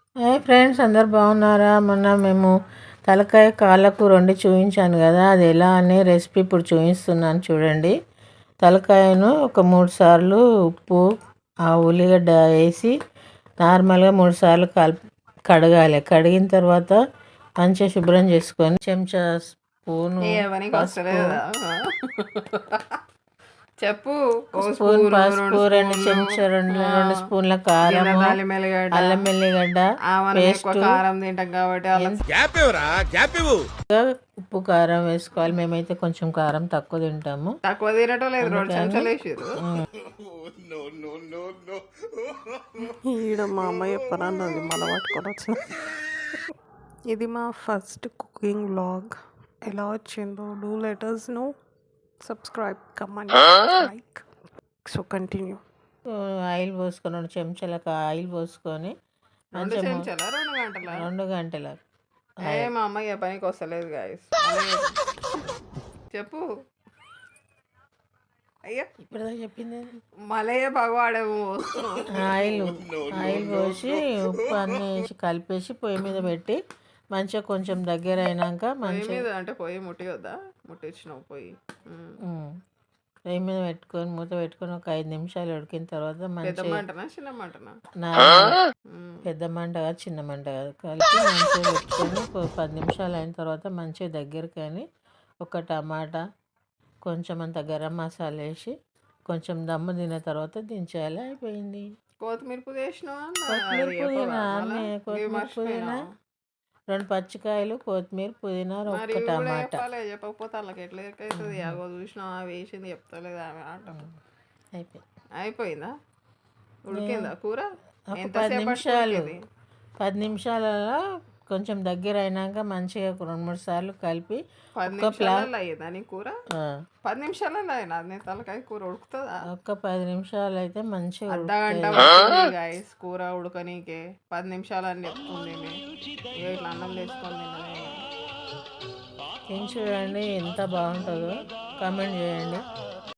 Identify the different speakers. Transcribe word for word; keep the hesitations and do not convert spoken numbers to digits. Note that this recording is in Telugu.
Speaker 1: హాయ్ ఫ్రెండ్స్, అందరు బాగున్నారా? మొన్న మేము తలకాయ కాళ్ళ కూర వండి చూపించాను కదా, అది ఎలా అనే రెసిపీ ఇప్పుడు చూపిస్తున్నాను చూడండి. తలకాయను ఒక మూడు సార్లు ఉప్పు ఆ ఉల్లిగడ్డ వేసి నార్మల్గా మూడు సార్లు కల్ కడగాలి. కడిగిన తర్వాత మంచిగా శుభ్రం చేసుకొని చెంచా స్పూను పసుపు
Speaker 2: చెప్పు
Speaker 1: స్పూన్ పసుపు, రెండు చెంచా రెండు రెండు స్పూన్ల కారం, అల్లం వెల్లిగడ్డ పేస్ట్,
Speaker 2: కారం తింటాం కాబట్టి
Speaker 1: ఉప్పు కారం వేసుకోవాలి. మేమైతే కొంచెం కారం తక్కువ తింటాము.
Speaker 2: తక్కువ తినటం లేదు, రెండు చెంచాలు వేసారు.
Speaker 3: ఈడ మా అమ్మాయి చెప్పనన్నది మన పట్టుకొని వచ్చిన. ఇది మా ఫస్ట్ కుకింగ్ వ్లాగ్. ఎలా వచ్చిందో do let us know, subscribe, comment, like. So continue.
Speaker 1: Oil పోసుకొని రెండు చెంచాలకు ఆయిల్ పోసుకొని
Speaker 2: రెండు చెంచాల రెండు గంటల
Speaker 1: రెండు గంటల
Speaker 2: ఏ మా అమ్మాయి పనికి వస్తలేదు గాయస్. చెప్పు అయ్యా,
Speaker 1: ఇప్పుడు చెప్పింది.
Speaker 2: మలయ భగవాడేమో
Speaker 1: ఆయిల్ ఆయిల్ పోసి ఉప్పు అన్నీ వేసి కలిపేసి పొయ్యి మీద పెట్టి మంచిగా కొంచెం దగ్గర అయినాక మంచిగా
Speaker 2: అంటే పొయ్యి ముట్టివద్దా? ముట్టించినావు పొయ్యి
Speaker 1: పొయ్యి మీద పెట్టుకొని మూత పెట్టుకొని ఒక ఐదు నిమిషాలు ఉడికిన తర్వాత మంచిగా
Speaker 2: చిన్న మంటనా
Speaker 1: పెద్ద మంట కాదు చిన్న మంట కాదు కలిపి మంచిగా పెట్టుకొని పది నిమిషాలు అయిన తర్వాత మంచిగా దగ్గర కానీ ఒక టమాటా కొంచెం అంత గరం మసాలా వేసి కొంచెం దమ్ము తిన్న తర్వాత దించేయాలి. అయిపోయింది.
Speaker 2: కొత్తిమీర పుదీనా
Speaker 1: కొత్తిమీర పుదీనా అన్నీ కొత్తిమీర పుదీనా రెండు పచ్చికాయలు కొత్తిమీర పుదీనా ఒక్క టమాటా.
Speaker 2: చెప్పకపోతే వాళ్ళకి ఎట్లా అవుతుంది? అగో చూసినా వేసింది చెప్తలేదు ఆమె ఆట.
Speaker 1: అయిపోయింది.
Speaker 2: అయిపోయిందా? ఉడికిందా కూర?
Speaker 1: ఒక పది నిమిషాలు పది నిమిషాలలో కొంచెం దగ్గర అయినాక మంచిగా రెండు మూడు సార్లు కలిపి
Speaker 2: పది నిమిషాలలో అయ్యిందా నీ కూర? పది నిమిషాలలో అయినా నేను తలకాయ కూర ఉడుకుతుందా?
Speaker 1: ఒక్క పది నిమిషాలు అయితే మంచిగా
Speaker 2: అర్ధ గంట గాయస్ కూర ఉడకనీకే పది నిమిషాలు అని చెప్తుంది. ఇట్లా అన్నం తెచ్చుకొని
Speaker 1: తిని చూడండి ఎంత బాగుంటుందో, కామెంట్ చేయండి.